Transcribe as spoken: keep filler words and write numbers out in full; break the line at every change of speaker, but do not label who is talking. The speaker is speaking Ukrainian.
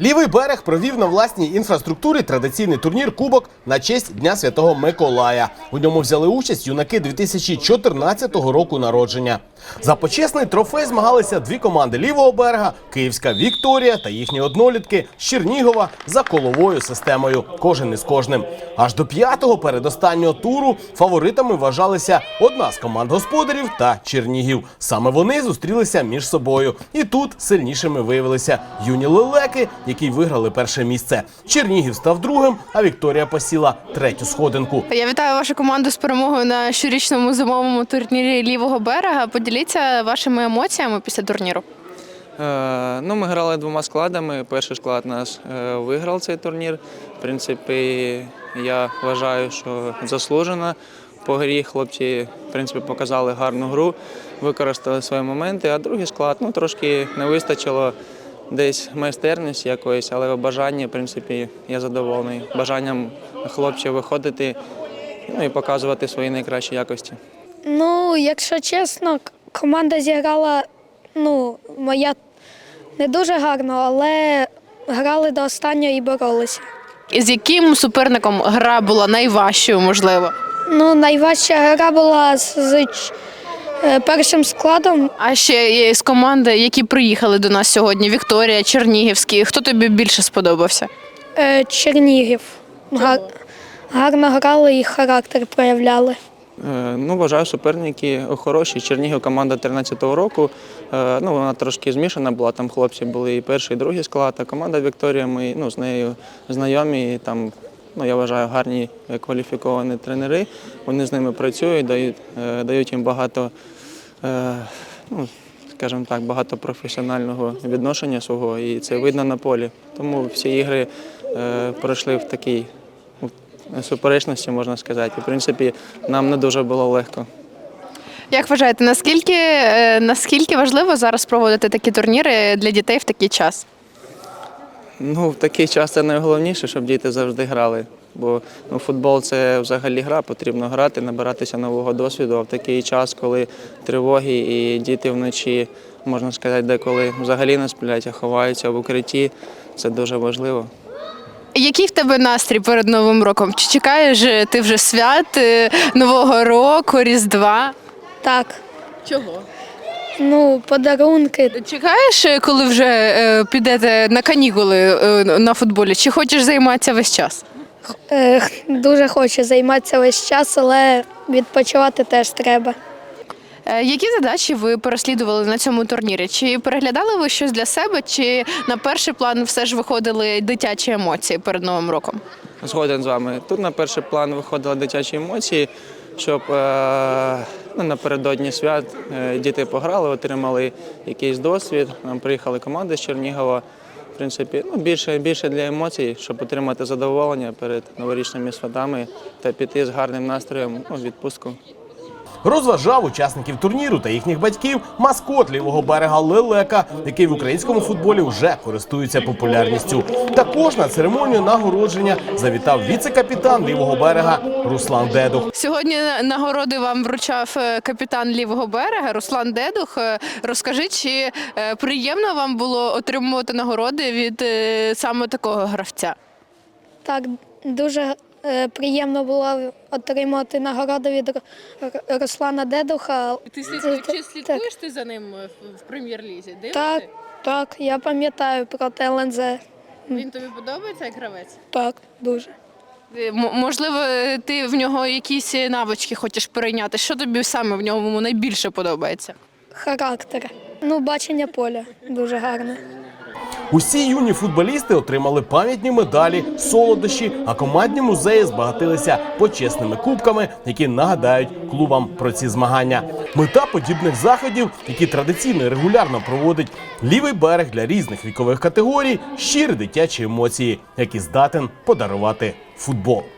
Лівий берег провів на власній інфраструктурі традиційний турнір «Кубок» на честь Дня Святого Миколая. У ньому взяли участь юнаки дві тисячі чотирнадцятого року народження. За почесний трофей змагалися дві команди Лівого берега – Київська «Вікторія» та їхні однолітки з Чернігова за коловою системою, кожен із кожним. Аж до п'ятого передостаннього туру фаворитами вважалися одна з команд господарів та Чернігів. Саме вони зустрілися між собою. І тут сильнішими виявилися юні лелеки, які виграли перше місце. Чернігів став другим, а Вікторія посіла третю сходинку.
Я вітаю вашу команду з перемогою на щорічному зимовому турнірі Лівого берега. Поділіться вашими емоціями після турніру.
Е, ну, ми грали двома складами. Перший склад нас е, виграв цей турнір. В принципі, я вважаю, що заслужено по грі. Хлопці, в принципі, показали гарну гру, використали свої моменти. А другий склад, ну, трошки не вистачило десь майстерності якоїсь, але бажання, в принципі, я задоволений. Бажанням хлопців виходити, ну, і показувати свої найкращі якості.
Ну, якщо чесно, команда зіграла, ну, моя не дуже гарно, але грали до останнього і боролися.
З яким суперником гра була найважчою, можливо?
Ну, найважча гра була з, з е, першим складом.
А ще є з команди, які приїхали до нас сьогодні, Вікторія, Чернігівський. Хто тобі більше сподобався?
Е, Чернігів. Гар, гарно грали і характер проявляли.
Ну, вважаю, суперники хороші. Чернігів команда тринадцятого року. Ну, вона трошки змішана була, там хлопці були і перший, і другий склад, а команда Вікторія, ми, ну, з нею знайомі, і там, ну, я вважаю, гарні кваліфіковані тренери. Вони з ними працюють, дають, дають їм багато, ну, скажімо так, багато професіонального відношення свого, і це видно на полі. Тому всі ігри пройшли в такій суперечності, можна сказати. В принципі, нам не дуже було легко.
Як вважаєте, наскільки, наскільки важливо зараз проводити такі турніри для дітей в такий час?
Ну, в такий час це найголовніше, щоб діти завжди грали. Бо ну, футбол – це взагалі гра, потрібно грати, набиратися нового досвіду. А в такий час, коли тривоги і діти вночі, можна сказати, деколи взагалі не сплять, а ховаються в укритті, це дуже важливо.
Який в тебе настрій перед Новим роком? Чи чекаєш ти вже свят, Нового року, Різдва?
Так.
Чого?
Ну, подарунки.
Чекаєш, коли вже е, підете на канікули е, на футболі? Чи хочеш займатися весь час?
Е, дуже хочу займатися весь час, але відпочивати теж треба.
Е, які задачі ви переслідували на цьому турнірі? Чи переглядали ви щось для себе, чи на перший план все ж виходили дитячі емоції перед Новим роком?
Згоден з вами. Тут на перший план виходили дитячі емоції, щоб е, ну, напередодні свят е, діти пограли, отримали якийсь досвід. Нам приїхали команди з Чернігова. В принципі, ну, більше, більше для емоцій, щоб отримати задоволення перед новорічними святами та піти з гарним настроєм у відпустку.
Розважав учасників турніру та їхніх батьків маскот Лівого берега лелека, який в українському футболі вже користується популярністю. Також на церемонію нагородження завітав віце-капітан Лівого берега Руслан Дедух.
Сьогодні нагороди вам вручав капітан Лівого берега Руслан Дедух. Розкажи, чи приємно вам було отримувати нагороди від саме такого гравця?
Так, дуже е, приємно було отримати нагороду від Руслана Дедуха.
Ти слідкуєш, чи слідкуєш ти за ним в прем'єр-лізі?
Так, так, я пам'ятаю про Т Л Н З.
Він тобі подобається як гравець?
Так, дуже.
М- можливо, ти в нього якісь навички хочеш перейняти. Що тобі саме в ньому найбільше подобається?
Характер. Ну, бачення поля дуже гарне.
Усі юні футболісти отримали пам'ятні медалі, солодощі, а командні музеї збагатилися почесними кубками, які нагадають клубам про ці змагання. Мета подібних заходів, які традиційно і регулярно проводить Лівий берег для різних вікових категорій – щирі дитячі емоції, які здатен подарувати футбол.